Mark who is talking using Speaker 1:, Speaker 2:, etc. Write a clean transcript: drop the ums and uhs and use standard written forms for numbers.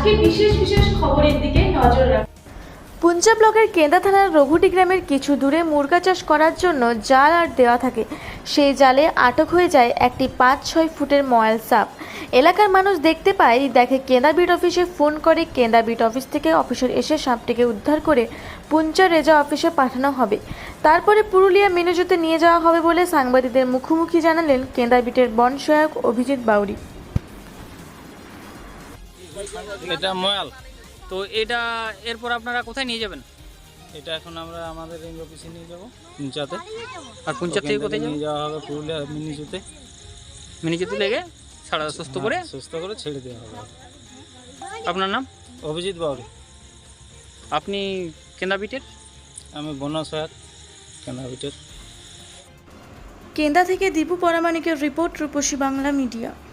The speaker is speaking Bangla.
Speaker 1: আজকে বিশেষ বিশেষ খবরের দিকে নজর রাখুন। পুঞ্চা ব্লকের কেন্দা থানার রঘুটি গ্রামের কিছু দূরে মুরগা চাষ করার জন্য জাল আর দেওয়া থাকে। সেই জালে আটক হয়ে যায় একটি 5-6 ফুটের ময়াল সাপ। এলাকার মানুষ দেখতে পায়, দেখে কেন্দা বিট অফিসে ফোন করে। কেন্দা বিট অফিস থেকে অফিসার এসে সাপটিকে উদ্ধার করে পুঞ্চা রেজা অফিসে পাঠানো হবে। তারপরে পুরুলিয়া মিনুজুতে নিয়ে যাওয়া হবে বলে সাংবাদিকদের মুখোমুখি জানালেন কেন্দা বিটের বন সহায়ক অভিজিৎ বাউরি।
Speaker 2: এটা ময়াল।
Speaker 3: তো এটা এরপর আপনারা কোথায় নিয়ে যাবেন?
Speaker 2: এটা এখন আমরা আমাদের রেঞ্জ অফিসে নিয়ে যাবো পুঞ্চাতে।
Speaker 3: আর পুঞ্চার থেকে কোথায়
Speaker 2: নিয়ে
Speaker 3: যাবেন?
Speaker 2: যাওয়া হবে পুরুলিয়া মিনিজুতে।
Speaker 3: মিনিজুতে লেগে সারা সুস্থ করে
Speaker 2: সুস্থ করে ছেড়ে দেওয়া হবে।
Speaker 3: আপনার নাম?
Speaker 2: অভিজিৎ বাউরি।
Speaker 3: আপনি কেন্দা বিটের?
Speaker 2: আমি বনসহায়ক কেন্দ্রাবিটের।
Speaker 1: কেন্দা থেকে দীপু পরামানিকের রিপোর্ট, রূপসী বাংলা মিডিয়া।